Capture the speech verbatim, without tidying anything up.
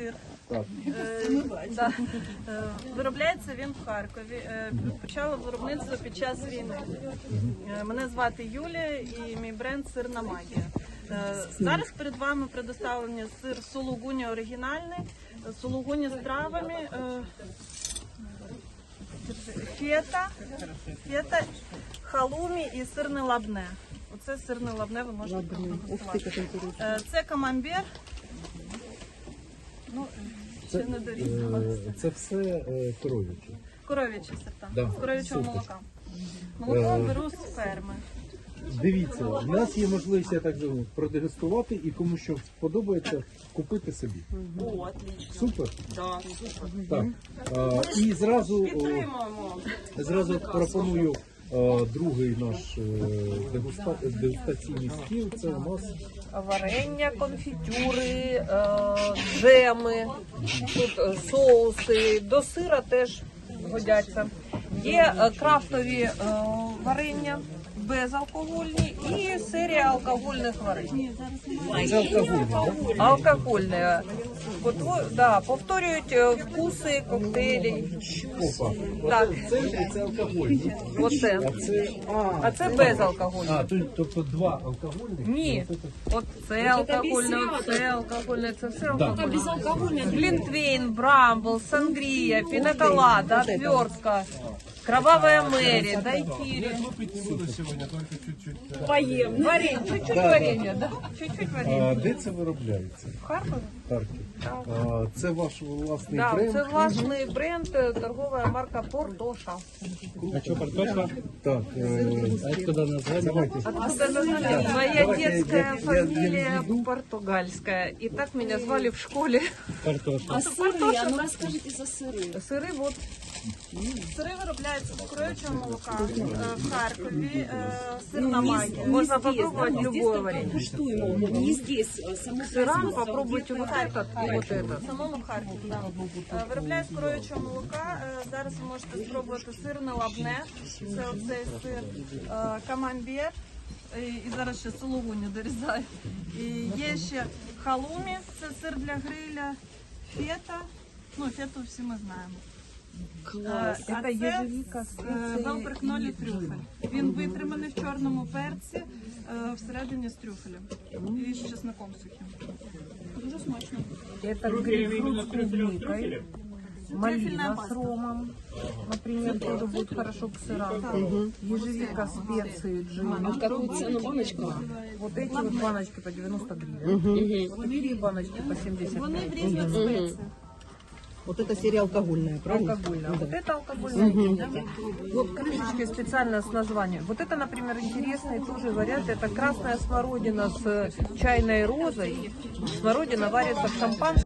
сир. Так. Е, да. Е, Виробляється він в Харкові. Е, Почало виробництво під час війни. Е, Мене звати Юлія і мій бренд «Сирна магія». Е, Зараз перед вами предоставлені сир сулугуні оригінальний, сулугуні з травами, е, фета, фета, халумі і сирне лабне. Оце сирне лабне ви можете продегустувати. Е, Це камамбер. Ну, ще не дорізала. Е, Це все е, коров'яче. Коров'ячі сорта, Да. з коров'ячого Супер. молока. Молоко Е, беру з ферми. Дивіться, в нас є можливість, я так думаю, продегустувати і кому що сподобається, купити собі. О, отлично. Супер? Да, супер. Так. А, і зразу, о, Підтримуємо. зразу пропоную а, другий наш е, дегуста, дегустаційний стіл. Це у нас Варення, конфітюри, е, джеми, тут е, соуси, до сира теж годяться. Є е, крафтові е, варення, безалкогольні і серія алкогольних варень. це алкогольний, так? Алкогольне. Потво- да, повторюють е, вкуси коктейлі. Опа. Так, Це, це алкогольний. оце. А це, а, А це безалкогольне. а, то- тобто два алкогольних? Ні, і оце от це алкогольне, це алкогольне, це все алкогольне. Безалкогольне. Глинтвейн, брамбл, сангрия, пиноколада, отвертка, кровавая Мэри, дайкири. Поїм. Варенье, чуть-чуть варенья, да? Чуть-чуть А варенья. де це виробляється? В Харкові? Харків. А, це ваш власний Да, бренд? це власний бренд, е, торгова марка Портоша. А что, картошка? Так, е, А откуда название? давайте. Откуда название? Моя Давайте я- детская я- я фамилия введу. португальская. И так меня звали в школе. Картошка. А сири, а ну розкажіть за сири. Сыры вот. Сири виробляються з коров'ячого молока е, в Харкові. е, Сирна магія. Можно попробовать любое варенье. Куштуємо. Не здесь, а само Сырам попробуйте вот этот и вот этот. В самому Харкові, так. Е, Виробляють з коров'ячого молока. Е, Зараз ви можете спробувати сирне лабне. Це оцей сир. Е, Камамбер. І і зараз ще сулугуні дорізаю. І є ще халумі, це сир для гриля, фета. Ну, фету всі ми знаємо. Е, Це а це ежевіка, е, велперкнолі трюфель. Він витриманий в чорному перці, е, всередині з трюфелем. І з чесником сухим. Дуже смачно. Это грейпфрут с клубникой. Малина Трюфельная с паста. ромом, например, тоже будет хорошо к сырам. Ежевика, специи, джин. Какую цену баночка? Вот эти вот баночки по девяносто гривен. Вот такие баночки по семьдесят Вони в гривен. різних спеціях. Вот это серия алкогольная, правильно? Алкогольная. Вот это алкогольная. Вот крышечки специально с названием. Вот это, например, интересный тоже вариант. Это красная смородина с чайной розой. Смородина варится в шампанском.